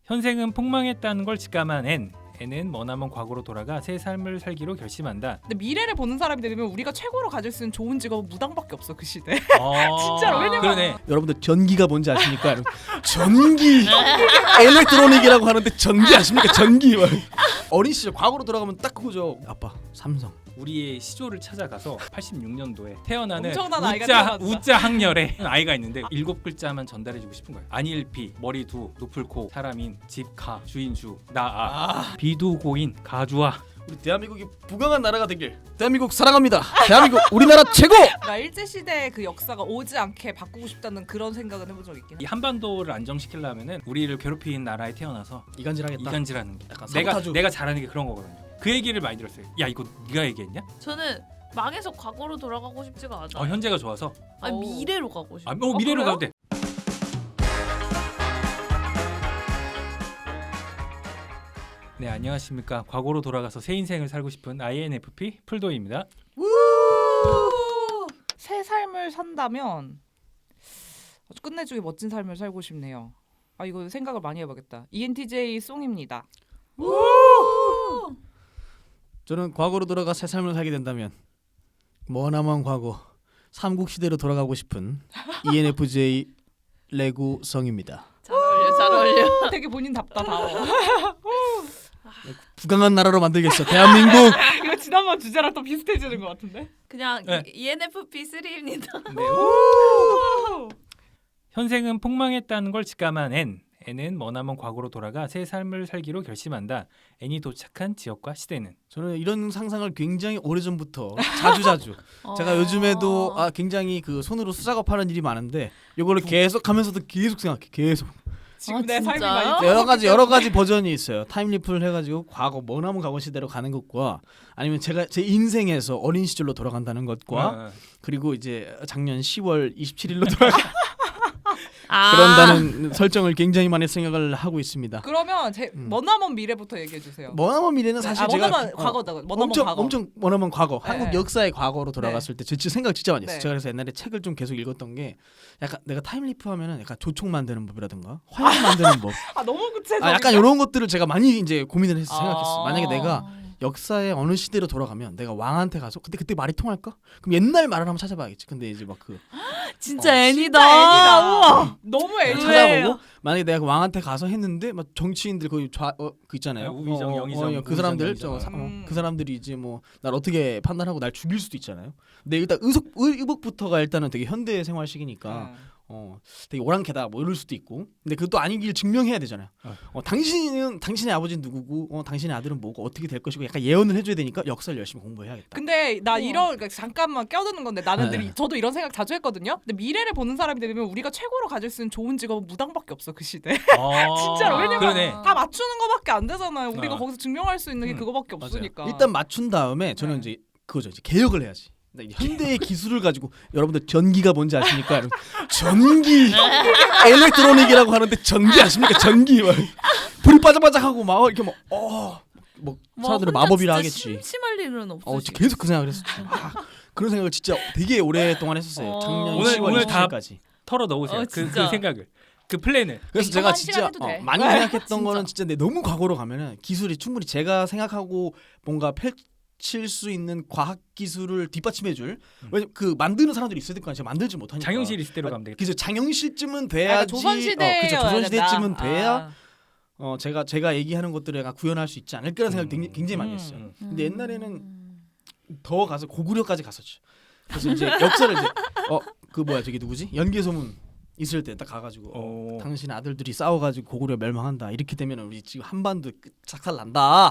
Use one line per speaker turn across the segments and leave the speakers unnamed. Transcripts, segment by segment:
현생은 폭망했다는 걸 직감한 N은 머나먼 과거로 돌아가 새 삶을 살기로 결심한다.
근데 미래를 보는 사람이 되면 우리가 최고로 가질 수 있는 좋은 직업은 무당밖에 없어 그 시대. 진짜로. 왜냐면
그러네.
여러분들 전기가 뭔지 아십니까? 전기 엘렉트로닉이라고 하는데 전기 아십니까? 전기. 어린 시절 과거로 돌아가면 딱 그거죠. 아빠 삼성.
우리의 시조를 찾아가서 86년도에 태어나는
엄청난 아이가 태어났다.
우자 학렬의 아이가 있는데 7글자만 전달해주고 싶은 거예요. 안일피, 머리두, 높을코, 사람인, 집가, 주인주, 나아, 비두고인, 가주아.
우리 대한민국이 부강한 나라가 되길. 대한민국 사랑합니다. 대한민국 우리나라 최고.
나 일제 시대의 그 역사가 오지 않게 바꾸고 싶다는 그런 생각은 해본 적 있긴 해.
이 한반도를 안정시키려면은 우리를 괴롭힌 나라에 태어나서
이간질하겠다.
이간질하는 게
약간
내가
사보타주.
내가 잘하는 게 그런 거거든요. 그 얘기를 많이 들었어요. 야 이거 네가 얘기했냐?
저는 망해서 과거로 돌아가고 싶지가 않아.
현재가 좋아서.
아니
오.
미래로 가고 싶어.
미래로
그래요?
가도 돼. 네, 안녕하십니까. 과거로 돌아가서 새 인생을 살고 싶은 INFP 풀도입니다.
새 삶을 산다면 아주 끝내주게 멋진 삶을 살고 싶네요. 아 이거 생각을 많이 해봐야겠다. ENTJ 송입니다.
저는 과거로 돌아가 새 삶을 살게 된다면 머나먼 과거 삼국 시대로 돌아가고 싶은 ENFJ 레구성입니다.
잘 어울려, 잘 어울려.
되게 본인답다다워.
부강한 나라로 만들겠어. 대한민국.
이거 지난번 주제랑 또 비슷해지는 것 같은데?
그냥
네.
ENFP 3입니다.
네. 현생은 폭망했다는 걸 직감한 N은 머나먼 과거로 돌아가 새 삶을 살기로 결심한다. N이 도착한 지역과 시대는.
저는 이런 상상을 굉장히 오래전부터 자주 제가 요즘에도 굉장히 그 손으로 수작업하는 일이 많은데 이거를 계속 하면서도 계속 생각해. 계속
지금 내 삶이
진짜요?
많이
여러 가지 버전이 있어요. 타임리프를 해가지고 과거 머나먼 과거 시대로 가는 것과 아니면 제가 제 인생에서 어린 시절로 돌아간다는 것과 그리고 이제 작년 10월 27일로 돌아가 그런다는 설정을 굉장히 많이 생각을 하고 있습니다.
그러면 제 머나먼 미래부터 얘기해 주세요.
머나먼 미래는 사실 제가
머나먼 과거다. 머나먼
엄청
과거.
엄청 머나먼 과거
네.
한국 역사의 과거로 돌아갔을 때 진짜 생각 진짜 많이 했어요.
네.
제가 그래서 옛날에 책을 좀 계속 읽었던 게 약간 내가 타임리프 하면은 약간 조총 만드는 법이라든가 화약 만드는 법
아 너무 구체적.
약간 이런 것들을 제가 많이 이제 고민을 해서 생각했어. 만약에
아.
내가 역사의 어느 시대로 돌아가면 내가 왕한테 가서 그때 말이 통할까? 그럼 옛날 말을 한번 찾아봐야겠지. 근데 이제 막 그
진짜 애니다.
진짜 애니다. 우와. 너무
네.
애니.
찾아보고 만약에 내가 그 왕한테 가서 했는데 막 정치인들 거기 그 있잖아요.
우의정, 영의정,
그 사람들
우의정,
영의정.
그 사람들이 이제 뭐 날 어떻게 판단하고 날 죽일 수도 있잖아요. 근데 일단 의복부터가 일단은 되게 현대 생활식이니까 되게 오랑캐다 뭐 이럴 수도 있고. 근데 그것도 아니길 증명해야 되잖아요. 당신의 아버지는 누구고 당신의 아들은 뭐고 어떻게 될 것이고 약간 예언을 해줘야 되니까 역사를 열심히 공부해야겠다.
근데 나 그러니까 잠깐만 껴드는 건데 나는
네.
저도 이런 생각 자주 했거든요. 근데 미래를 보는 사람이 되면 우리가 최고로 가질 수 있는 좋은 직업은 무당밖에 없어 그 시대. 진짜로. 왜냐면
그러네.
다 맞추는 거밖에 안 되잖아요. 우리가
어.
거기서 증명할 수 있는 게 그거밖에 없으니까.
일단 맞춘 다음에 저는
네.
이제 그거죠. 이제 개혁을 해야지. 현대의 기술을 가지고 여러분들 전기가 뭔지 아십니까? 전기 엘렉트로닉이라고 하는데 전기 아십니까? 전기 불이 바짝바짝하고 막 이렇게 뭐 사람들은 마법이라 하겠지.
심심할 일은 없으시.
계속 그 생각을 했었죠. 그런 생각을 진짜 되게 오랫동안 했었어요. 작년
오늘
10월
다
27일까지.
털어 넣으세요. 그
진짜.
생각을. 그 플랜을.
그래서
이거
제가
한
진짜
시간 해도 돼.
많이
네.
생각했던
진짜.
거는 진짜 근데 너무 과거로 가면은 기술이 충분히 제가 생각하고 뭔가 펼칠 수 있는 과학 기술을 뒷받침해줄 왜냐면 그 만드는 사람들이 있어야 될 거 아니야. 제가 만들지 못하니까.
장영실 시대로 가면 되겠다.
그래서 장영실쯤은
그러니까
돼야지.
조선시대에
그죠. 조선시대쯤은
된다.
돼야
아.
제가 얘기하는 것들을 약간 구현할 수 있지 않을까라는 생각을 굉장히 많이 했어요.
음.
근데 옛날에는 더 가서 고구려까지 갔었죠. 그래서 이제 역사를 이제 그 뭐야 저기 누구지? 연개소문 있을 때 딱 가가지고 당신 아들들이 싸워가지고 고구려 멸망한다. 이렇게 되면 우리 지금 한반도 작살 난다.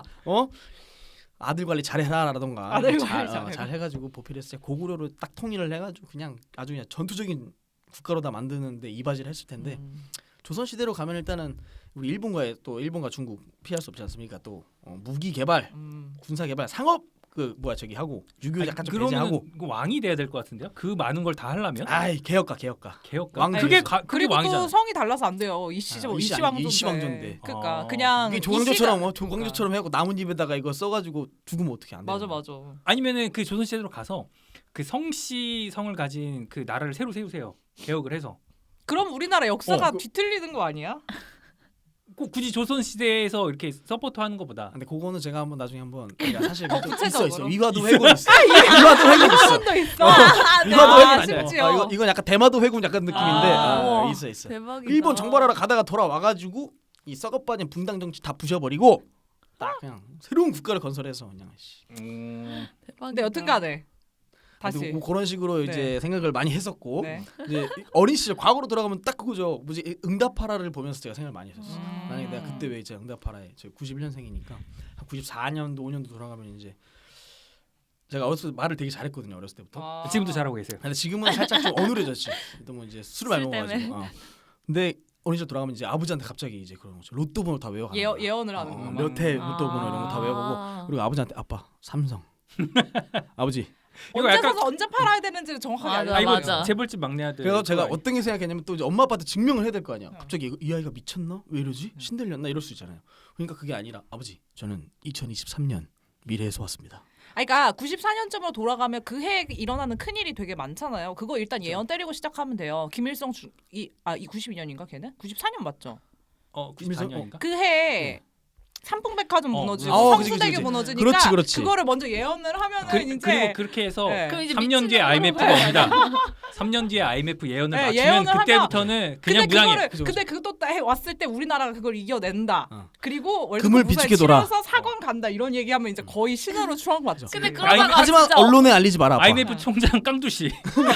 아들 관리 잘해라라던가
아들 관리 잘해라.
잘 해가지고 보필했을 때 고구려를 딱 통일을 해가지고 그냥 아주 그냥 전투적인 국가로 다 만드는데 이바지를 했을 텐데 조선 시대로 가면 일단은 우리 일본과 중국 피할 수 없지 않습니까? 또 무기 개발, 군사 개발, 상업 하고 유교 약간 좀 배제하고.
그러면 왕이 돼야 될 것 같은데요? 그 많은 걸 다 하려면?
아이 개혁가.
왕 그게 그게
그리고
왕이잖아.
또 성이 달라서 안 돼요. 이시왕조인데.
이시왕조인데.
그러니까 그냥
이게 조광조처럼 해고 나뭇잎에다가 이거 써가지고 죽으면 어떻게 안 돼?
맞아.
아니면은 그 조선 시대로 가서 그 성씨 성을 가진 그 나라를 새로 세우세요. 개혁을 해서.
그럼 우리나라 역사가
그-
뒤틀리는 거 아니야?
꼭 굳이 조선 시대에서 이렇게 서포트하는 것보다
근데 그거는 제가 한번 나중에 한번 그러니까 사실 좀 있어
구체적으로?
위화도 회군 있어. 위화도 회군 있어.
한번더 있어.
위화도
아,
회군 아니야.
심지어.
이건 약간 대마도 회군 약간 느낌인데
아.
있어.
대박이다.
일본 정발하러 가다가 돌아와가지고 이 썩어빠진 붕당 정치 다 부셔버리고 딱 그냥 새로운 국가를 건설해서 그냥 씨.
대박이다.
근데 여튼간에 다시.
뭐 그런 식으로 이제 생각을 많이 했었고
네.
이제 어린 시절 과거로 돌아가면 딱 그거죠. 뭐지 응답하라를 보면서 제가 생각을 많이 했었어요. 만약에 내가 그때 왜 이제 응답하라에 저 91년생이니까 한 94년도 5년도 돌아가면 이제 제가 어렸을 때 말을 되게 잘했거든요. 어렸을 때부터.
아.
지금도 잘하고 계세요.
근데 지금은 살짝 좀 어눌해졌지. 또 뭐 이제 술을 많이
술
먹어가지고. 근데 어린 시절 돌아가면 이제 아버지한테 갑자기 이제 그런 거죠. 로또 번호 다 외워가는 거야.
예언을 하는 거구나.
몇회 로또 번호 이런 거 다 외워보고 그리고 아버지한테 아빠 삼성. 아버지.
이거
언제
약간-
사서 언제 팔아야 되는지를 정확하게
맞아,
알려.
아 이거
맞아.
재벌집 막내 아들.
그래서 제가
그거
어떤 게 생각했냐면 또 이제 엄마 아빠한테 증명을 해야 될 거 아니야.
어.
갑자기 이 아이가 미쳤나? 왜 이러지? 신들렸나? 이럴 수 있잖아요. 그러니까 그게 아니라 아버지 저는 2023년 미래에서 왔습니다.
그러니까 94년쯤으로 돌아가면 그 해에 일어나는 큰 일이 되게 많잖아요. 그거 일단 예언 때리고 시작하면 돼요. 김일성 이 92년인가 걔는? 94년 맞죠?
94년인가?
그 해에 삼풍백화점 무너지고
그치,
성수대교
그치.
무너지니까
그렇지.
그거를 먼저 예언을 하면은
그리고
이제
그렇게 해서
네.
그럼 이제
3년 뒤에
미친놈으로
IMF가
봐야지.
옵니다. 3년 뒤에 IMF 예언을
네,
맞추면
예언을
그때부터는 그냥
근데
무당해.
그거를
그죠,
근데 그것도 해 왔을 때 우리나라가 그걸 이겨낸다.
어.
그리고
금을 비축해 둬라.
치러서 사관 간다 이런 얘기하면 이제 거의 신화로 추앙 받죠.
근데
아니,
그러다가
하지만
진짜
언론에 알리지 마라. 아빠.
IMF 총장 깡두씨.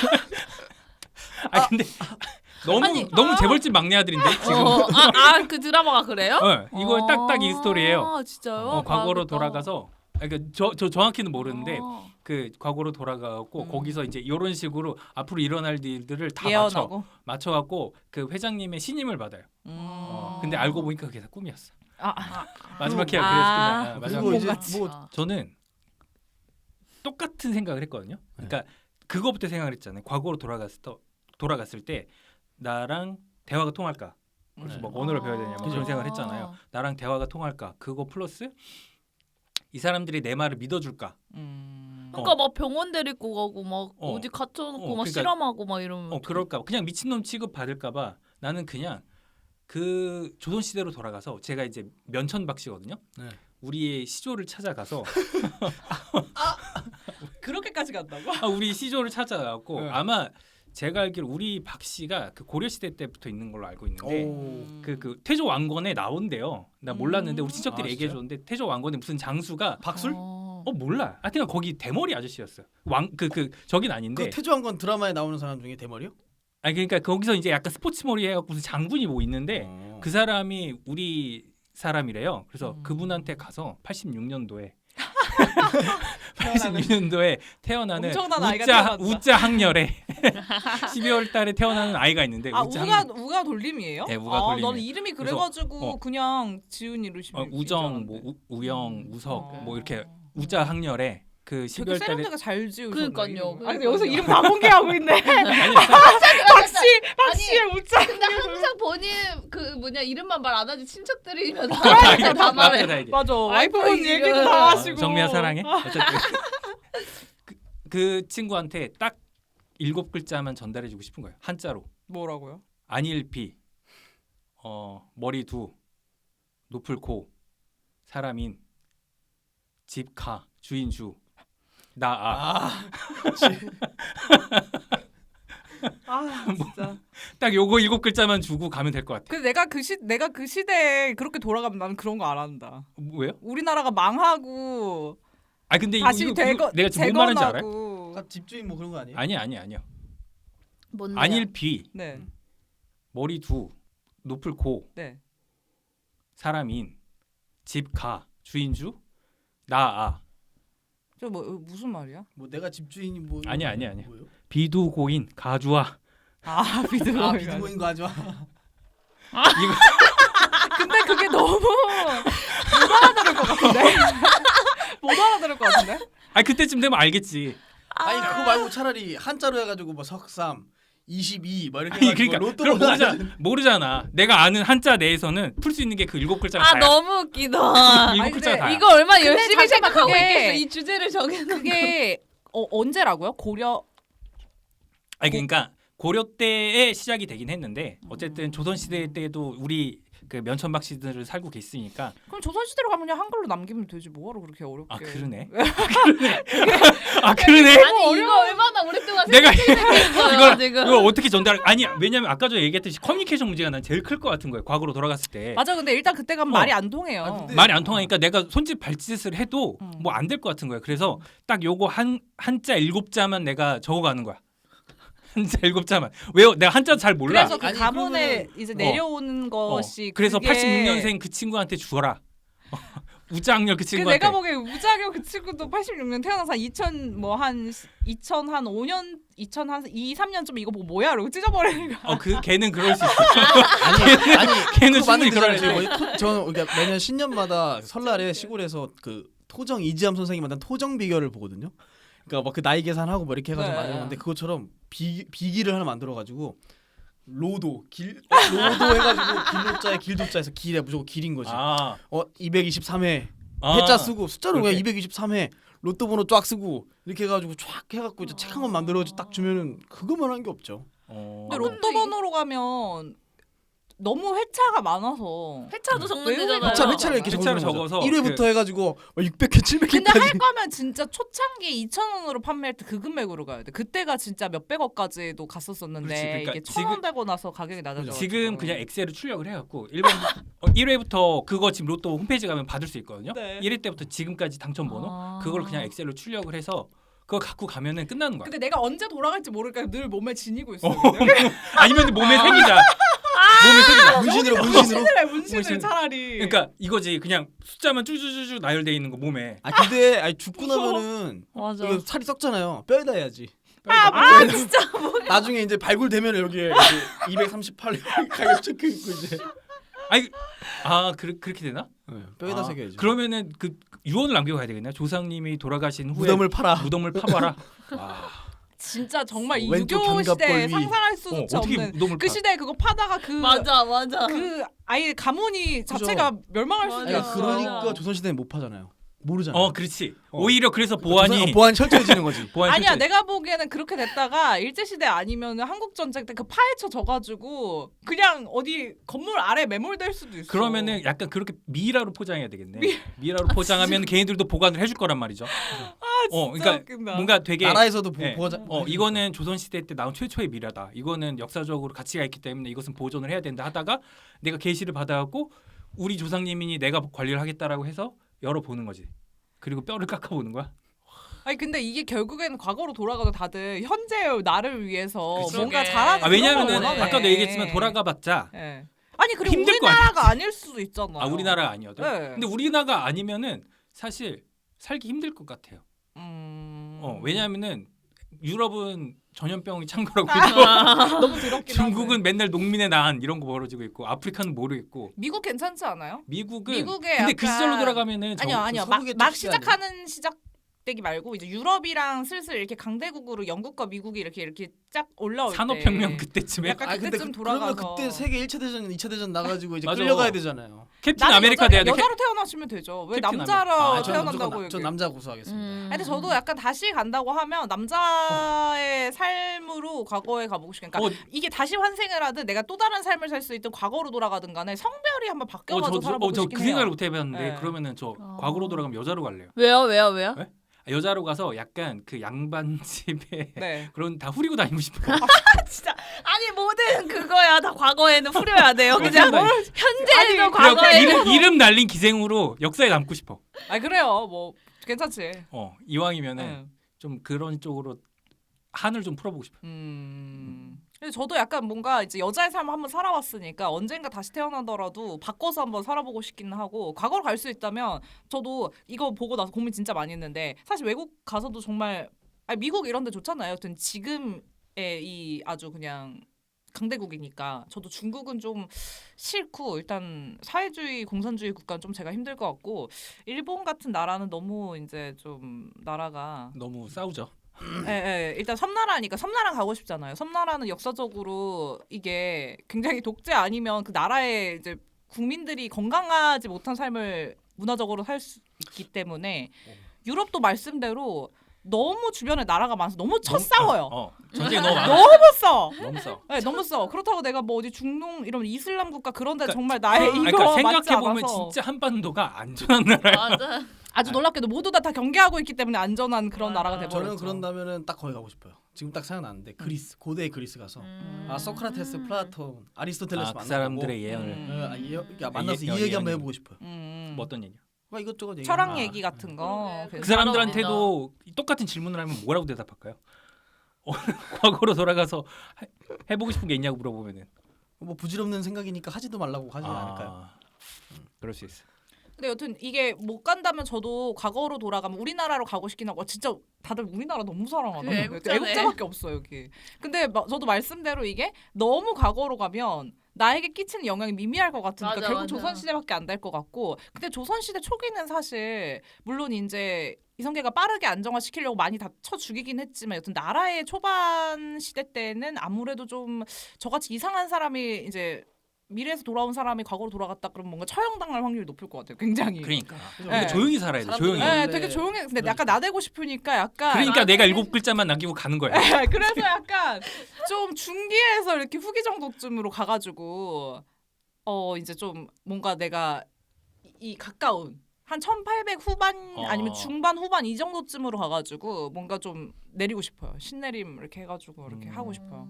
아 근데 너무
아니,
너무 재벌집 막내 아들인데 지금.
그 드라마가 그래요?
이거 딱딱 이 스토리예요.
아, 진짜요?
과거로
봐야겠다.
돌아가서 그러니까 저 정확히는 모르는데
아.
그 과거로 돌아가고 거기서 이제 이런 식으로 앞으로 일어날 일들을 다
예언하고.
맞춰갖고 그 회장님의 신임을 받아요. 근데 알고 보니까 그게 다 꿈이었어. 마지막 회가 그래서 마지막
그리고 이제
같이.
뭐
저는 똑같은 생각을 했거든요. 그러니까 그거부터 생각을 했잖아요. 과거로 돌아갔을 때 나랑 대화가 통할까? 그래서 뭐 언어를 배워야 되냐 뭐 그런 생각을 했잖아요. 나랑 대화가 통할까? 그거 플러스 이 사람들이 내 말을 믿어줄까?
그러니까 막 병원 데리고 가고 막
어.
어디 갇혀놓고 막
그러니까-
실험하고 막 이러면
그럴까? 그냥 미친놈 취급 받을까봐 나는 그냥 그 조선 시대로 돌아가서 제가 이제 면천박 씨거든요.
네.
우리의 시조를 찾아가서
그렇게까지 간다고?
우리 시조를 찾아가고
네.
아마 제가 알기로 우리 박 씨가 그 고려 시대 때부터 있는 걸로 알고 있는데
오.
그 태조 왕건에 나온대요. 나 몰랐는데 우리 친척들이
아,
얘기해 줬는데 태조 왕건에 무슨 장수가
박술?
몰라. 하여튼 거기 대머리 아저씨였어요. 왕 그 저긴 아닌데.
그 태조왕건 드라마에 나오는 사람 중에 대머리요?
아니 그러니까 거기서 이제 약간 스포츠 머리 해갖고 무슨 장군이 뭐 있는데 그 사람이 우리 사람이래요. 그래서 그분한테 가서 86년도에 86년도에 태어나는
엄청난 아이가 태어났다.
우자 학렬에 12월 달에 태어나는 아이가 있는데 우자 학렬.
우가 돌림이에요?
네, 우가 돌림이에요.
나는 이름이 그래가지고 그냥 지은 이름이
우정, 뭐 우영, 우석 뭐 이렇게 우자 학렬에 그
되게
12월 달에
세련되게 잘 지으셨네.
그러니까요.
아니 근데 여기서 이름 다 공개하고 있네.
아니
박씨의 우짜.
근데 항상 본인 그 뭐냐 이름만 말 안 하지 친척들이면
다
다 말해.
다 얘기해.
맞아. 와이프분
와이프
얘기도
이름.
다 하시고.
정미야 사랑해. 어쨌든 그 친구한테 딱 7글자만 전달해주고 싶은 거예요. 한자로.
뭐라고요?
안일비, 머리 두, 높을 코, 사람인, 집 가, 주인주, 나아.
진짜.
딱 요거 7글자만 주고 가면 될 것 같아.
근데 내가 그 시대에 그렇게 돌아가면 나는 그런 거 안 한다.
왜요?
우리나라가 망하고
아 근데
다시
이거 내가 지금 뭔 말인지 알아요?
재건하고.
집주인 뭐 그런 거 아니에요?
아니요.
뭔데요?
안일비,
네.
머리 두, 높을 코,
네.
사람인, 집 가, 주인주, 나아.
저 뭐 무슨 말이야?
뭐 내가 집주인이 뭐
아니야.
뭐예요?
비두고인 가주아.
비드로.
아 비드고인 거 하지 마.
이거
근데 그게 너무 못 알아들을 것 같은데. 못 알아들을 것 같은데.
아니 그때쯤 되면 알겠지.
아니 그거 말고 차라리 한자로 해가지고 뭐 석삼 22 뭐 이렇게
아니
해가지고
그러니까
로또
그럼
번호
모르잖아. 내가 아는 한자 내에서는 풀 수 있는 게 그 7글자가 다야.
너무 웃기다.
7글자가 다야.
이거 얼마나
근데
열심히
잠깐만,
생각하고
그게-
있겠어. 이 주제를 정해놓은
그게 언제라고요? 고려.
아니 그러니까 고려 때에 시작이 되긴 했는데 어쨌든 조선 시대 때도 우리 그 면천박 씨들을 살고 계시니까.
그럼 조선시대로 가면 그냥 한글로 남기면 되지 뭐하러 그렇게 어렵게.
아 그러네. 아 그러네.
아니 이거 얼마나 오랫동안
내가
생각했어요 지금.
이걸 어떻게 전달? 아니 왜냐면 아까 전에 얘기했듯이 커뮤니케이션 문제가 난 제일 클 것 같은 거예요. 과거로 돌아갔을 때.
맞아. 근데 일단 그때 가면 말이 안 통해요.
아, 근데-
말이 안 통하니까 내가 손짓 발짓을 해도 뭐 안 될 것 같은 거예요. 그래서 딱 요거 한자 7자만 내가 적어가는 거야. 한자 7자만. 왜요? 내가 한자 잘 몰라.
그래서 그
아니,
가문에 이제 내려오는 것이
그래서
그게
86년생 그 친구한테 주어라. 우장렬 그
그
친구한테.
내가 보기에 우자경 그 친구도 86년 태어나서 2000한 2, 3년쯤 이거 보고 뭐야 이러고 찢어버리는 거야.
그 걔는 그럴 수 있어.
아니
걔는
그거 맞는
충분히 그럴 수
거잖아요.
있어.
저는 그러니까 매년 신년마다 설날에 시골에서 그 토정 이지암 선생님 만든 토정 비결을 보거든요. 그러니까 막 그 나이 계산하고 뭐 이렇게 해가지고
네.
만드는데 그것처럼 비기를 하나 만들어가지고 로도 해가지고 길로자에 길도자에서 길에 무조건 길인 거지. 223회 해자 쓰고 숫자로 그냥 223회 로또 번호 쫙 쓰고 이렇게 해가지고 쫙 해갖고 이제 책 한 권 만들어가지고 딱 주면은 그거만 한 게 없죠.
근데 로또 번호로 가면 너무 회차가 많아서
회차도 적는
외우는
데잖아요.
거죠.
회차를 이렇게
회차를
적어서
적어서
1회부터 해가지고 600회 700회까지.
근데 할 거면 진짜 초창기 2,000원으로 판매할 때 그 금액으로 가야 돼. 그때가 진짜 몇백억까지도 갔었었는데
그렇지, 그러니까
이게
지금-
1,000원 되고 나서 가격이 낮아져.
지금 그냥 엑셀을 출력을 해갖고 1회부터 그거 지금 로또 홈페이지 가면 받을 수 있거든요.
네.
1회 때부터 지금까지 당첨 번호 그걸 그냥 엑셀로 출력을 해서 그거 갖고 가면은 끝나는 거야.
근데 내가 언제 돌아갈지 모르니까 늘 몸에 지니고 있어.
아니면 몸에 생기자. 몸에 생기자.
문신으로
문신을
문신.
차라리.
그러니까 이거지 그냥 숫자만 쭉쭉쭉 나열돼 있는 거 몸에.
근데 죽고 나면은
맞아.
이거 살이 썩잖아요. 뼈에다 해야지.
진짜
나중에 이제 발굴되면 여기에 238 가격 적혀 있고 이제
그렇게 되나?
뼈에다 새겨야죠.
그러면은 그 유언을 남기고 가야 되겠네. 조상님이 돌아가신 후에
무덤을 팔아.
무덤을 파봐라.
진짜 정말 이
왼쪽
유교 시대에
견갑골 위.
상상할 수조차
어떻게
없는
무덤을
그
파?
시대에 그거 파다가
맞아.
그 아예 가문이 자체가 멸망할 수도
맞아.
있어.
그러니까 조선시대는 못 파잖아요. 모르잖아요.
그렇지. 오히려 그래서 보안이
보안 철저해지는 거지.
보안
아니야,
실제-
내가 보기에는 그렇게 됐다가 일제 시대 아니면 한국 전쟁 때 그 파헤쳐 져가지고 그냥 어디 건물 아래 매몰될 수도 있어.
그러면은 약간 그렇게 미라로 포장해야 되겠네. 미라로 포장하면 개인들도 보관을 해줄 거란 말이죠. 그러니까
웃긴다.
뭔가 되게
나라에서도
네.
보호자.
이거는 조선 시대 때 나온 최초의 미라다. 이거는 역사적으로 가치가 있기 때문에 이것은 보존을 해야 된다 하다가 내가 계시를 받아갖고 우리 조상님이니 내가 관리를 하겠다라고 해서 열어보는 거지. 그리고 뼈를 깎아보는 거야.
아니 근데 이게 결국에는 과거로 돌아가도 다들 현재의 나를 위해서
그치.
뭔가
그러게.
잘하는
왜냐면은
그런 걸 원하네.
아까도 얘기했지만 돌아가봤자
예. 아니 그리고
힘들 거
우리나라가 아닐 수도 있잖아.
우리나라가 아니어도.
네.
근데 우리나라가 아니면은 사실 살기 힘들 것 같아요. 왜냐하면은 유럽은 전염병이 창궐하고 있고
너무 더럽긴
중국은
하네.
맨날 농민의 난 이런 거 벌어지고 있고 아프리카는 모르겠고
미국 괜찮지 않아요?
미국은
미국에
근데 그
약간-
시절로 돌아가면은
아니요.
서구계
막
특수하네.
시작하는 시작되기 말고 이제 유럽이랑 슬슬 이렇게 강대국으로 영국과 미국이 이렇게 쫙 올라올
산업혁명
때
그때쯤에
약간 그때쯤
그러면
돌아가서
그때 세계 1차 대전, 2차 대전 나가지고 이제
맞아.
끌려가야 되잖아요.
캡틴 아메리카 돼야 돼.
여자로 태어나시면 되죠. 왜
캡틴
남자로
아메리카.
저는
태어난다고
무조건 전 남자 고수하겠습니다.
아니, 근데 저도 약간 다시 간다고 하면 남자의 삶으로 과거에 가보고 싶으니까 이게 다시 환생을 하든 내가 또 다른 삶을 살 수 있든 과거로 돌아가든 간에 성별이 한번 바뀌어가지고 살아보고
저
싶긴
그
해요.
생각을 못 해봤는데
네.
그러면은 저 과거로 돌아가면 여자로 갈래요.
왜요?
네? 여자로 가서 약간 그 양반 집에
네.
그런 다 후리고 다니고 싶어요.
진짜 아니 모든 그거야 다 과거에는 후려야 돼요. 그냥
후리고 다니-
현재도
그래갖고
과거에
이름 날린 기생으로 역사에 남고 싶어.
아 그래요. 뭐 괜찮지.
이왕이면은
네.
좀 그런 쪽으로 한을 좀 풀어보고 싶어.
근데 저도 약간 뭔가 이제 여자의 삶을 한번 살아왔으니까 언젠가 다시 태어나더라도 바꿔서 한번 살아보고 싶기는 하고 과거로 갈 수 있다면 저도 이거 보고 나서 고민 진짜 많이 했는데 사실 외국 가서도 정말 미국 이런 데 좋잖아요. 여튼 지금의 이 아주 그냥 강대국이니까 저도 중국은 좀 싫고 일단 사회주의 공산주의 국가는 좀 제가 힘들 것 같고 일본 같은 나라는 너무 이제 좀 나라가
너무 싸우죠.
예, 일단 섬나라니까 섬나라 가고 싶잖아요. 섬나라는 역사적으로 이게 굉장히 독재 아니면 그 나라의 이제 국민들이 건강하지 못한 삶을 문화적으로 살 수 있기 때문에 유럽도 말씀대로 너무 주변에 나라가 많아서 너무 싸워요.
전쟁이 너무 많아.
너무 싸워.
너무 싸워.
네, 너무 싸워. 그렇다고 내가 뭐 어디 중동 이런 이슬람 국가 그런데
그러니까
정말 나의 이거
그러니까
맞지
생각해 보면
않아서
진짜 한반도가 안전한 나라야.
맞아.
아주 놀랍게도 모두 다 경계하고 있기 때문에 안전한 그런
맞아.
나라가 돼버렸죠.
저는 그런다면은 딱 거기 가고 싶어요. 지금 딱 생각나는데 그리스 고대 그리스 가서 소크라테스, 플라톤, 아리스토텔레스
그
만나고
사람들의 예언을
만나서 이
예,
얘기 한번
예,
해보고 싶어요.
뭐 어떤 얘기야?
이것저것 얘기.
철학
아.
얘기 같은 거.
그러게.
그
그래서
사람들한테도 똑같은 질문을 하면 뭐라고 대답할까요? 과거로 돌아가서 해보고 싶은 게 있냐고 물어보면은
뭐 부질없는 생각이니까 하지도 말라고 하지 않을까요?
그럴 수 있어.
근데 여튼 이게 못 간다면 저도 과거로 돌아가면 우리나라로 가고 싶긴 하고 진짜 다들 우리나라 너무 사랑하나
그래, 애국자네.
애국자밖에 없어 여기. 근데 저도 말씀대로 이게 너무 과거로 가면 나에게 끼치는 영향이 미미할 것 같으니까
맞아,
결국
맞아.
조선시대밖에 안 될 것 같고 근데 조선시대 초기는 사실 물론 이제 이성계가 빠르게 안정화시키려고 많이 다 쳐 죽이긴 했지만 여튼 나라의 초반 시대 때는 아무래도 좀 저같이 이상한 사람이 이제 미래에서 돌아온 사람이 과거로 돌아갔다 그러면 뭔가 처형당할 확률이 높을 것 같아요. 굉장히.
그러니까
네.
우리가 조용히 살아야 돼.
사람들은-
조용히.
네,
네.
되게 조용해. 근데 약간 나대고 싶으니까 약간
그러니까 내가 7글자만 남기고 가는 거야.
그래서 약간 좀 중기에서 이렇게 후기 정도쯤으로 가가지고 이제 좀 뭔가 내가 이 가까운 한 1800 후반 아니면 중반 후반 이 정도쯤으로 가가지고 뭔가 좀 내리고 싶어요. 신내림 이렇게 해가지고 이렇게 하고 싶어요.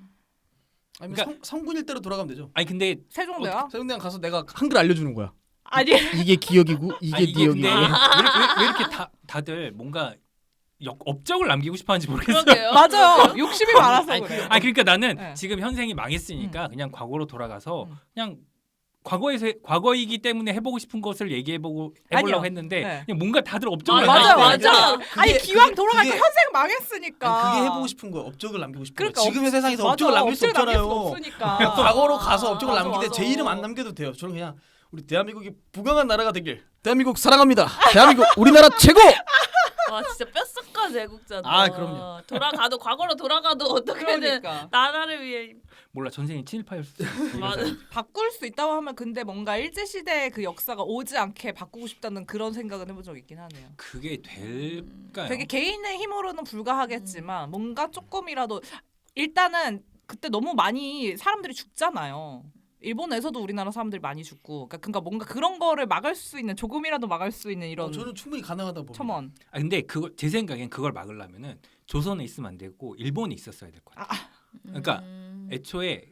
아니면
그러니까-
성군일 대로 돌아가면 되죠.
아니 근데
세종대요?
세종대왕 가서 내가 한글 알려주는 거야.
아니
이게 기억이고 이게
아니, 이게 근데
니억이고.
왜 이렇게 다들 뭔가 업적을 남기고 싶어하는지 모르겠어요.
그러게요.
맞아요. 욕심이 많아서
아니,
그래요.
그러니까 나는
네.
지금 현생이 망했으니까 그냥 과거로 돌아가서 그냥
음.
과거이기 때문에 해보고 싶은 것을 해보려고
아니요.
했는데
네.
그냥 뭔가 다들 업적을
맞아,
남기고
맞아.
아니 기왕
그게-
돌아가니까
그게-
현생 망했으니까.
그게 해보고 싶은 거야. 업적을 남기고 싶은
그러니까
거야. 지금의 세상에서
맞아,
업적을 남길 수
업적을 남길 수
없잖아요.
없으니까.
과거로 가서 업적을
맞아,
남기되
맞아.
제 이름 안 남겨도 돼요. 저는 그냥 우리 대한민국이 부강한 나라가 되길. 대한민국 사랑합니다. 대한민국 우리나라 최고.
와 진짜 뼛속까지 애국자다.
아, 그럼요.
돌아가도 과거로 돌아가도 어떻게든
그러니까
나라를 위해.
몰라 전생이 친일파였을 수
맞아.
바꿀 수 있다고 하면 근데 뭔가 일제 시대의 그 역사가 오지 않게 바꾸고 싶다는 그런 생각은 해본 적 있긴 하네요.
그게 될까요?
되게 개인의 힘으로는 불가하겠지만 뭔가 조금이라도 일단은 그때 너무 많이 사람들이 죽잖아요. 일본에서도 우리나라 사람들이 많이 죽고 그러니까 뭔가 그런 거를 막을 수 있는 조금이라도 막을 수 있는 이런
저는 충분히 가능하다고 봅니다.
첨언.
근데 제 생각엔 그걸 막으려면은 조선에 있으면 안 되고 일본에 있었어야 될 것 같아. 그러니까 애초에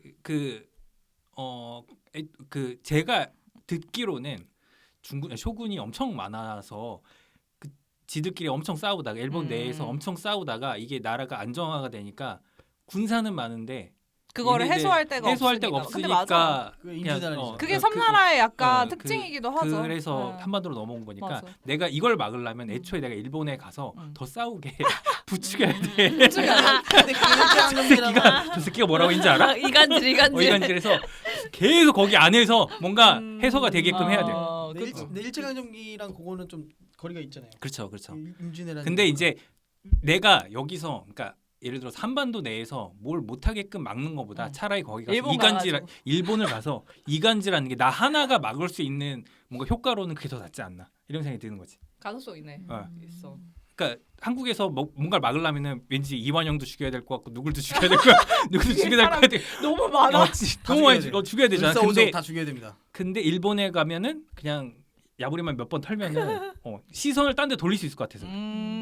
제가 듣기로는 쇼군이 엄청 많아서 그 지들끼리 엄청 싸우다가 일본 내에서 엄청 싸우다가 이게 나라가 안정화가 되니까 군사는 많은데
그거를
얘네들
해소할 데가
해소할
없으니까. 근데 맞아.
없으니까
그게 임진왜란이죠.
그게 섬나라의 약간
그-
특징이기도 하죠.
그래서
네.
한반도로 넘어온 거니까
맞아.
내가 이걸 막으려면 애초에 내가 일본에 가서 더 싸우게 부추겨야 돼.
근데 그 일제강점기라는
저 새끼가 뭐라고 했는지 알아?
이간질 이간질.
이간질해서 계속 거기 안에서 뭔가 해소가 되게끔 해야 돼.
근데 일제강점기랑 그거는 좀 거리가 있잖아요.
그렇죠, 그렇죠.
임진왜란.
근데 이제 내가 여기서 그러니까 예를 들어서 한반도 내에서 뭘 못하게끔 막는 것보다 차라리 거기 가서
일본
일본을 가서 이간질하는 게 나 하나가 막을 수 있는 뭔가 효과로는 그게 더 낫지 않나 이런 생각이 드는 거지.
가능성 있네. 있어.
그러니까 한국에서 뭔가를 막으려면은 왠지 이완영도 죽여야 될 것 같고 누굴도 죽여야 될 것 같고 누구도 죽여야 될 것 같아.
너무 많아.
너무 많이 죽여야 되잖아.
근데 다 죽여야 됩니다.
근데 일본에 가면은 그냥 야부리만 몇 번 털면은 시선을 딴 데 돌릴 수 있을 것 같아서.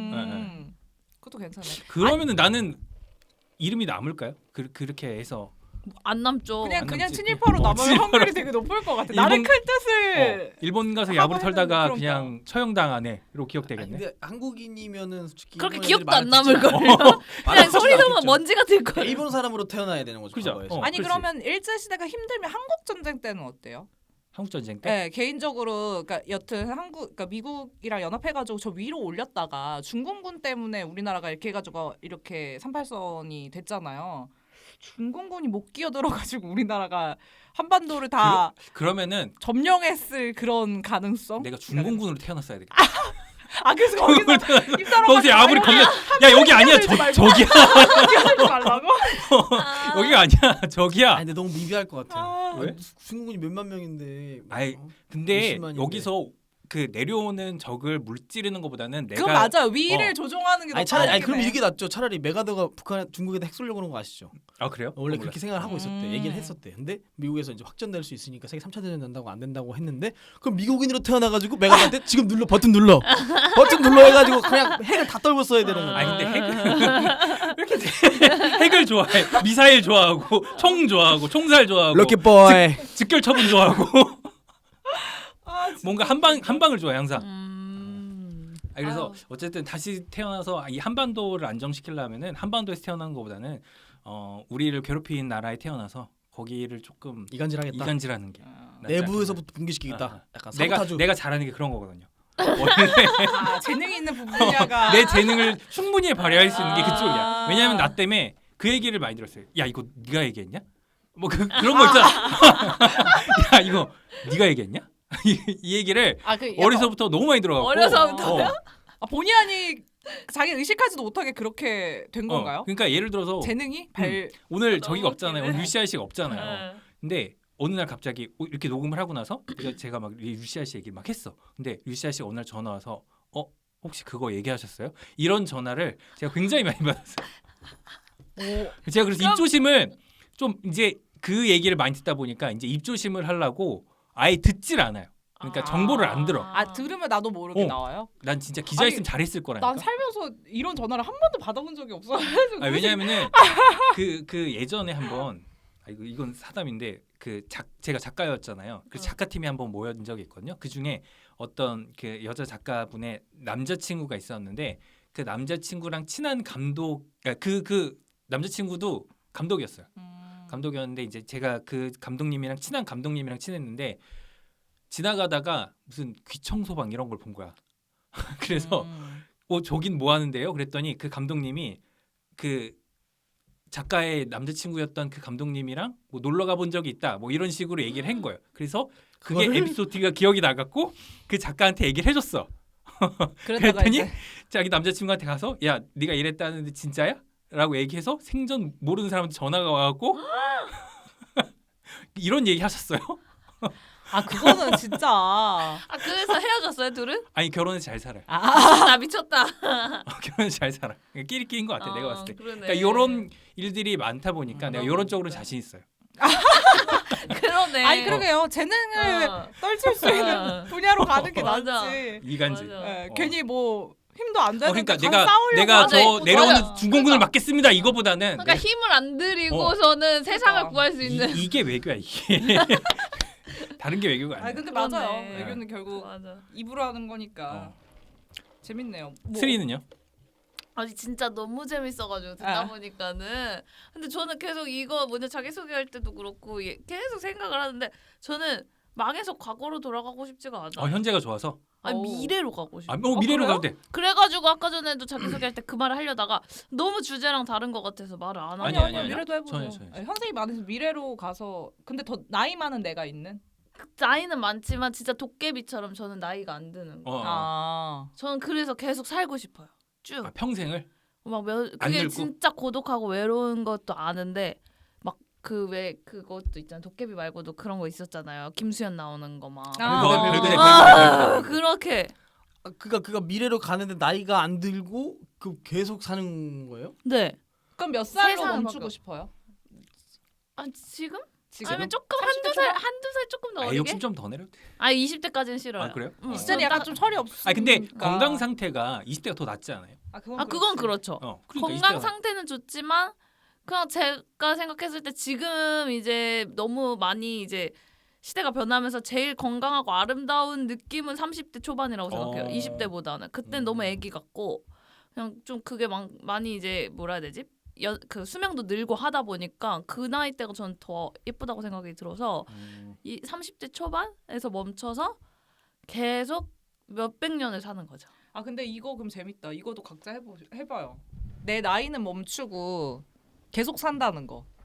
그것도 괜찮네.
그러면은 나는 이름이 남을까요? 그렇게 해서
안 남죠.
그냥
안
그냥
남지.
친일파로 남을
친일파로.
확률이 되게 높을 것 같아.
일본-
나는 큰 뜻을
일본 가서
하고
야부리
했는데
털다가
그러니까.
그냥 처형당하네로
아니,
기억되겠네.
근데 한국인이면은 솔직히
그렇게
일본
기억도
애들이
안
말을
남을
듣지
걸요.
말을
그냥
듣지
소리 들으면
않겠죠.
먼지가 들 거예요.
일본 사람으로 태어나야 되는 거죠.
그죠?
과거에서.
아니
그렇지.
그러면 일제 시대가 힘들면 한국 전쟁 때는 어때요?
한국 전쟁 때.
네, 개인적으로 그러니까 여튼 그러니까 미국이랑 연합해가지고 저 위로 올렸다가 중공군 때문에 우리나라가 이렇게 해가지고 이렇게 38선이 됐잖아요. 중공군이 못 끼어들어가지고 우리나라가 한반도를 다
그러면은
점령했을 그런 가능성?
내가 중공군으로 태어났어야 되겠다.
아 그래서 거기서 입사람
거기서 야부리 겁나. 야 여기 아니야 저기야.
끼어들지 말라고?
여기가 아니야 저기야.
아니 근데 너무 미비할 것 같아요.
아.
왜?
중국군이 몇만 명인데.
아이,
어?
근데
몇십만인데.
여기서 그 내려오는 적을 물찌르는 것보다는 내가
그건 맞아요. 위를
어.
조종하는 게 더
아니 차라리
빠르긴
그럼
해.
이게 낫죠. 차라리 메가더가 북한 중국에다 핵 쏠려고 그런 거 아시죠?
아 그래요?
원래
몰랐어요.
그렇게 생각을 하고 있었대.
음.
얘기를 했었대. 근데 미국에서 이제 확전될 수 있으니까 세계 3차 대전 된다고 안 된다고 했는데 그럼 미국인으로 태어나가지고 메가더한테 지금 눌러 버튼 눌러 해가지고 그냥 핵을 다 떨고 써야 되는 거야.
아니 근데 핵 왜 이렇게 핵을 좋아해? 미사일 좋아하고 총 좋아하고 총살 좋아하고
럭키 보이.
직결 처분 좋아하고
아, 진짜.
뭔가 한 방을 좋아해 항상. 그래서
아유.
어쨌든 다시 태어나서 이 한반도를 안정시키려면은 한반도에서 태어난 것보다는 우리를 괴롭힌 나라에 태어나서 거기를 조금
이간질하겠다.
이간질하는 게
아,
낫지
내부에서부터 붕괴시키겠다.
아.
약간
않겠나.
사보타주.
내가 잘하는 게 그런 거거든요.
아, 재능이 있는 부분이야가
내 재능을 충분히 발휘할 수 있는 게 그쪽이야.
아.
왜냐하면 나 때문에 그 얘기를 많이 들었어요. 야 이거 네가 얘기했냐? 뭐 그런 거 있잖아. 야 이거 네가 얘기했냐? 이 얘기를
그
어려서부터 너무 많이 들어가고
어려서부터요?
본의 아니 자기 의식하지도 못하게 그렇게 된 건가요?
그러니까 예를 들어서
재능이 발
오늘
너무
저기가 없잖아요. 오늘
웃기네.
유시아 씨가 없잖아요.
네.
근데 어느 날 갑자기 이렇게 녹음을 하고 나서 제가 막 유시아 씨 얘기를 막 했어. 근데 유시아 씨가 어느 날 전화 와서 혹시 그거 얘기하셨어요? 이런 전화를 제가 굉장히 많이 받았어요. 제가 그래서 입조심을 좀 이제 그 얘기를 많이 듣다 보니까 이제 입조심을 하려고 아예 듣질 않아요. 그러니까 정보를 안 들어.
들으면 나도 모르게
어.
나와요.
난 진짜 기자였으면
아니,
잘했을 거라니까.
난 살면서 이런 전화를 한 번도 받아본 적이 없어.
왜냐하면은 그 예전에 한번 이건 사담인데 제가 작가였잖아요. 그래서 작가팀이 한번 모여진 적이 있거든요. 그 중에 어떤 그 여자 작가분의 남자친구가 있었는데 그 남자친구랑 친한 감독, 그 남자친구도 감독이었어요. 감독이었는데 이제 제가 그 감독님이랑 친한 감독님이랑 친했는데 지나가다가 무슨 귀청소방 이런 걸 본 거야. 그래서 저긴 뭐 하는데요? 그랬더니 그 감독님이 그 작가의 남자친구였던 그 감독님이랑 뭐 놀러 가본 적이 있다. 뭐 이런 식으로 얘기를 한 거예요. 그래서 그게
그거를?
에피소드가 기억이 나갖고 그 작가한테 얘기를 해줬어.
그러다가
그랬더니
이제
자기 남자친구한테 가서 야 네가 이랬다는데 진짜야? 라고 얘기해서 생전 모르는 사람한테 전화가 와갖고 이런 얘기 하셨어요.
그거는 진짜
그래서 헤어졌어요 둘은?
아니 결혼해서 잘 살아요.
나 미쳤다.
결혼해서 잘 살아. 끼리끼리인 것 같아. 내가 봤을 때.
그러네.
그러니까 이런 일들이 많다 보니까 내가 이런 쪽으로는
진짜.
자신 있어요.
그러네.
아니 그러게요. 재능을 떨칠 수 있는 분야로 가는 게
맞아.
낫지.
이간질.
맞아.
예, 괜히 뭐 힘도 안 되는데
그러니까
가서 싸우려고
내가
맞아.
저 내려오는
맞아.
중공군을
그러니까.
막겠습니다. 이거보다는
그러니까 힘을 안 들이고서는 세상을
그러니까.
구할 수 있는.
이게 외교야 이게. 다른 게 외교가 아니야.
근데
그렇네.
맞아요. 외교는 결국
맞아.
입으로 하는 거니까 재밌네요. 뭐.
스리는요?
아니 진짜 너무 재밌어가지고 듣다
아.
보니까는 근데 저는 계속 이거 먼저 자기소개할 때도 그렇고 계속 생각을 하는데 저는 망해서 과거로 돌아가고 싶지가 않아요.
현재가 좋아서.
아니
오.
미래로 가고 싶어.
미래로
그래요?
가도 돼.
그래가지고 아까 전에도 자기소개할 때 그 말을 하려다가 너무 주제랑 다른 것 같아서 말을 안 하고.
아니, 아니.
미래도 해보죠.
전혀.
현생이 많아서 미래로 가서 근데 더 나이 많은 내가 있는.
나이는 많지만 진짜 도깨비처럼 저는 나이가 안 드는 거. 저는 그래서 계속 살고 싶어요. 쭉.
평생을.
그게
늙고?
진짜 고독하고 외로운 것도 아는데 막 그 왜 그것도 있잖아요. 도깨비 말고도 그런 거 있었잖아요. 김수현 나오는 거 막.
별그대.
그렇게.
그가 미래로 가는데 나이가 안 들고 계속 사는 거예요?
네.
그럼 몇 살로
세상을
멈추고
바꿔.
싶어요?
지금?
지금?
아니면 조금
30대
한두 살 조금 더 어리게?
욕심 좀 더 내려도 돼.
20대까지는 싫어요.
아 그래요?
응.
이 시절이 약간 좀 철이 없으니까.
근데 건강 상태가 20대가 더 낫지 않아요?
그건 그렇죠.
그러니까
건강
20대가
상태는 좋지만 그냥 제가 생각했을 때 지금 이제 너무 많이 이제 시대가 변하면서 제일 건강하고 아름다운 느낌은 30대 초반이라고 생각해요. 20대보다는. 그때는 너무 애기 같고 그냥 좀 그게 많이 이제 뭐라 해야 되지? 그 수명도 늘고 하다 보니까 그 나이 때가 저는 더 예쁘다고 생각이 들어서 이 30대 초반에서 멈춰서 계속 몇백 년을 사는 거죠.
근데 이거 그럼 재밌다. 이거도 각자 해봐요. 내 나이는 멈추고 계속 산다는 거.